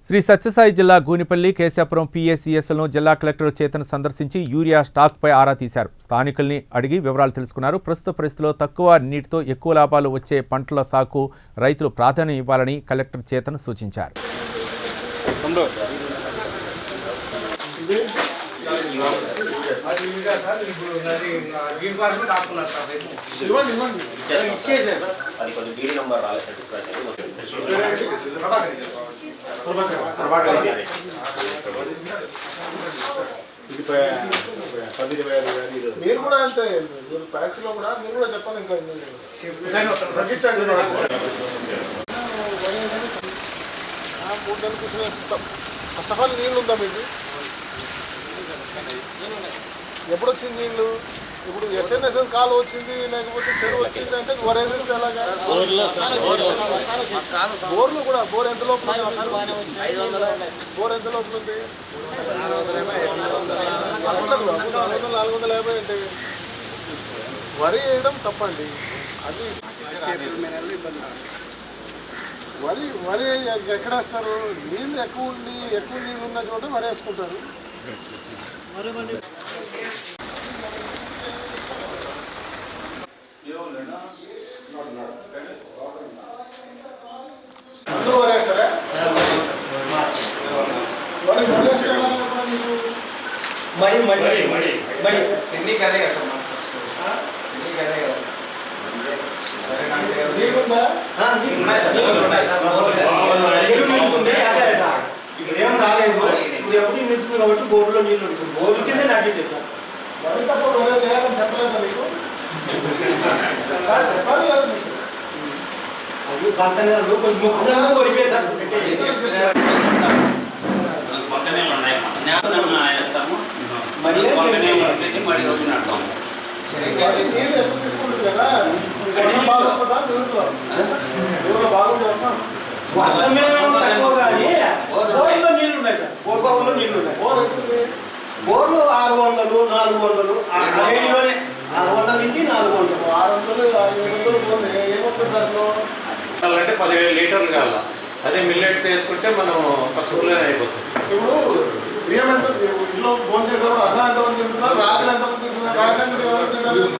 శ్రీ సత్యసాయి జిల్లా గూనిపల్లి కేశాపురం పిఎసిఎస్లను జిల్లా కలెక్టర్ చేతన్ సందర్శించి యూరియా స్టాక్పై ఆరా తీశారు. స్థానికుల్ని అడిగి వివరాలు తెలుసుకున్నారు. ప్రస్తుత పరిస్థితుల్లో తక్కువ నీటితో ఎక్కువ లాభాలు వచ్చే పంటల సాగుకు రైతులు ప్రాధాన్యం ఇవ్వాలని కలెక్టర్ చేతన్ సూచించారు. మీరు కూడా అంతే ప్యాక్స్ లో కూడా మీరు కూడా చెప్పాలి. ఇంకా 3 నెలలు ఫస్ట్ ఆఫ్ ఆల్ నీళ్ళు ఉందా మీకు? ఎప్పుడు వచ్చింది నీళ్ళు? ఇప్పుడు హెచ్ఎన్ఎస్ఎస్ కాలు వచ్చింది లేకపోతే చెరువు వచ్చింది అంటే వరేసేస్తే ఎలాగా? బోర్లు కూడా బోర్ ఎంత లోపల ఉంది? 450 అంటే వరి వేయడం తప్పండి. అది వరి ఎక్కడేస్తారు? నీళ్ళు ఎక్కువ నీళ్ళు ఉన్న చోట వరి వేసుకుంటారు. అందరూ వరేస్తారా? ఏం రాలేదు. ఎవరు నిలుచుకుని కాబట్టి బోర్డులో నీళ్ళు ఉంటుంది. బోర్డు కింద నాటి చెప్తాను. వరి తప్ప వేరే చేయాలని చెప్పలేదా మీకు? చెప్పాలి కదా మీకు. అది పక్కన ఎప్పుడు తీసుకుంటుంది కదా? బాగా వస్తుందా? ఊళ్ళో బాగుంది వస్తాం. వర్షమే తక్కువ కానీ బోర్లో నీళ్ళు ఉన్నాయి సార్. బోర్లో నీళ్ళు ఉన్నాయి. బోర్ ఎక్కుతుంది. బోర్లు 600, 400 600 నుంచి 400. 600 బోర్లు ఏమొస్తుంది దాంట్లో? అంటే 10,000 లీటర్లు కావాల. అదే మిల్లెట్స్ వేసుకుంటే మనం తక్కువలో అయిపోతుంది. ఇప్పుడు బియ్యం ఎంత ఇంట్లో ఫోన్ చేసేప్పుడు అన్నం ఎంతమంది తింటున్నారు? రాత్రి ఎంతమంది తింటున్నారు? రాత్రి